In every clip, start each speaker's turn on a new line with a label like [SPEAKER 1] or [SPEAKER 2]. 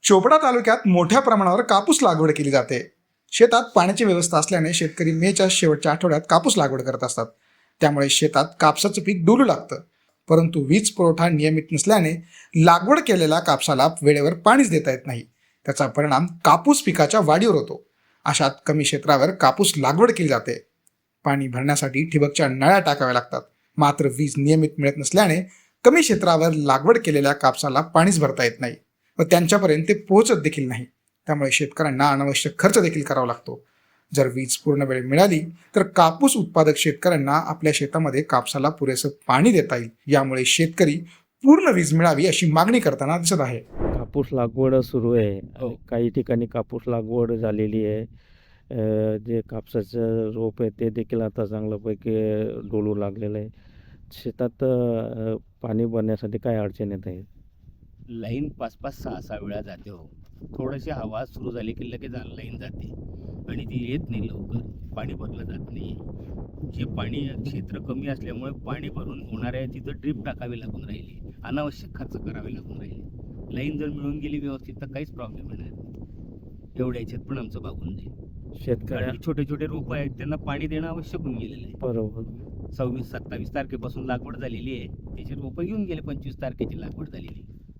[SPEAKER 1] चोपडा तालुक्यात मोठ्या प्रमाणावर कापूस लागवड केली जाते. शेतात पाण्याची व्यवस्था असल्याने शेतकरी मेच्या शेवटच्या आठवड्यात कापूस लागवड करत असतात. त्यामुळे शेतात कापसाचं पीक डुलू लागतं. परंतु वीज पुरवठा नियमित नसल्याने लागवड केलेल्या कापसाला वेळेवर पाणीच देता येत नाही. त्याचा परिणाम कापूस पिकाच्या वाढीवर होतो. अशात कमी क्षेत्रावर कापूस लागवड केली जाते. पाणी भरण्यासाठी ठिबकच्या नळ्या टाकाव्या लागतात. मात्र वीज नियमित मिळत नसल्याने कमी क्षेत्रावर लागवड केलेल्या कापसाला पाणीच भरता येत नाही व त्यांच्यापर्यंत ते पोहोचत देखील नाही. त्यामुळे शेतकऱ्यांना अनावश्यक खर्च देखील करावा लागतो. जर वीज पूर्ण वेळ मिळाली तर कापूस उत्पादक शेतकऱ्यांना आपल्या शेतामध्ये कापसाला पुरेसं पाणी देता येईल. यामुळे शेतकरी पूर्ण वीज मिळावी अशी मागणी करताना दिसत आहे.
[SPEAKER 2] कापूस लागवड सुरू आहे. काही ठिकाणी कापूस लागवड झालेली आहे. जे कापसाचं रोप आहे ते देखील आता चांगल्यापैकी डोलू लागलेलं आहे. शेतात पाणी भरण्यासाठी काय अडचण येत आहे?
[SPEAKER 3] लाईन 5-5, 6-6 वेळा जाते हो. थोडीशी हवा सुरू झाली की लगेच लाईन जाते आणि ती येत नाही लवकर. पाणी भरलं जात नाही. जे पाणी क्षेत्र कमी असल्यामुळे पाणी भरून होणार आहे तिथं ड्रीप टाकावी लागून राहिली. अनावश्यक खर्च करावे लागून राहिले. लाईन जर मिळून गेली व्यवस्थित तर काहीच प्रॉब्लेम येणार नाही. एवढ्या याच्यात पण आमचं भागून जाईल.
[SPEAKER 2] शेतकऱ्या
[SPEAKER 3] छोटे छोटे रोपं आहेत त्यांना पाणी देणं आवश्यक होऊन गेलेलं आहे.
[SPEAKER 2] बरोबर.
[SPEAKER 3] 26-27 तारखेपासून लागवड झालेली आहे. त्याचे रोपं घेऊन गेले. 25 तारखेची लागवड झालेली.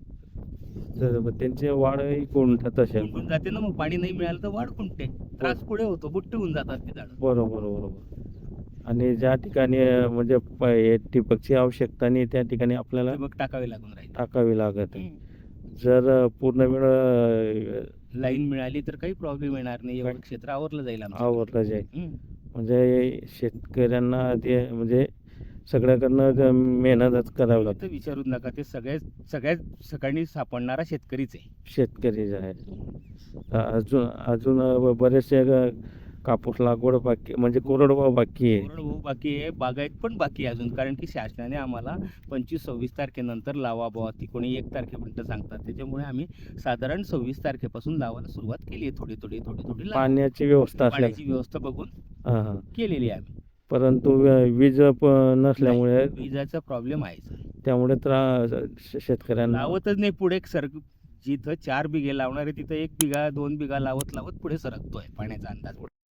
[SPEAKER 2] तर त्यांची वाढही कोणत्यात असेल.
[SPEAKER 3] निघून जाते ना. मग पाणी नाही मिळालं तर वाढ खुंटते. त्रास पुढे होतो. बुट्टे होऊन जातात ते झाड.
[SPEAKER 2] बरोबर बरोबर. आणि ज्या ठिकाणी म्हणजे ठिबकची आवश्यकता नाही त्या ठिकाणी आपल्याला
[SPEAKER 3] मग टाकावे लागून राहील.
[SPEAKER 2] टाकावी लागत आहे. जर पूर्ण वेळ
[SPEAKER 3] लाईन मिळाली तर काही प्रॉब्लेम येणार नाही. एवढं क्षेत्र आवरलं जाईल आमचं.
[SPEAKER 2] आवरलं जाईल. म्हणजे शेतकऱ्यांना ते म्हणजे सगळ्याकडनं मेहनतच करावी लागते.
[SPEAKER 3] तर विचारूच नका. ते सगळ्यात सकाळी सापडणारा शेतकरीच आहे.
[SPEAKER 2] शेतकरी जे आहे अजून बरेचसे कापूस लागवड बाकी म्हणजे कोरडवाहू बाकी आहे.
[SPEAKER 3] कोरडवाहू बाकी आहे. बागायत पण बाकी आहे अजून. कारण की शासनाने आम्हाला 25-26 तारखेनंतर लावा बुवा. ती कोणी 1 तारखेपर्यंत सांगतात. त्याच्यामुळे आम्ही साधारण 26 तारखेपासून लावायला सुरुवात केली आहे. थोडी
[SPEAKER 2] पाण्याची व्यवस्था
[SPEAKER 3] पाण्याची व्यवस्था बघून केलेली आहे आम्ही.
[SPEAKER 2] परंतु वीज नसल्यामुळे
[SPEAKER 3] विजाचा प्रॉब्लेम आहे.
[SPEAKER 2] त्यामुळे शेतकऱ्यांना
[SPEAKER 3] लावतच नाही पुढे. जिथं 4 बिघे लावणार आहे तिथं 1 बिघा 2 बिघा लावत पुढे सरकतोय पाण्याचा अंदाज.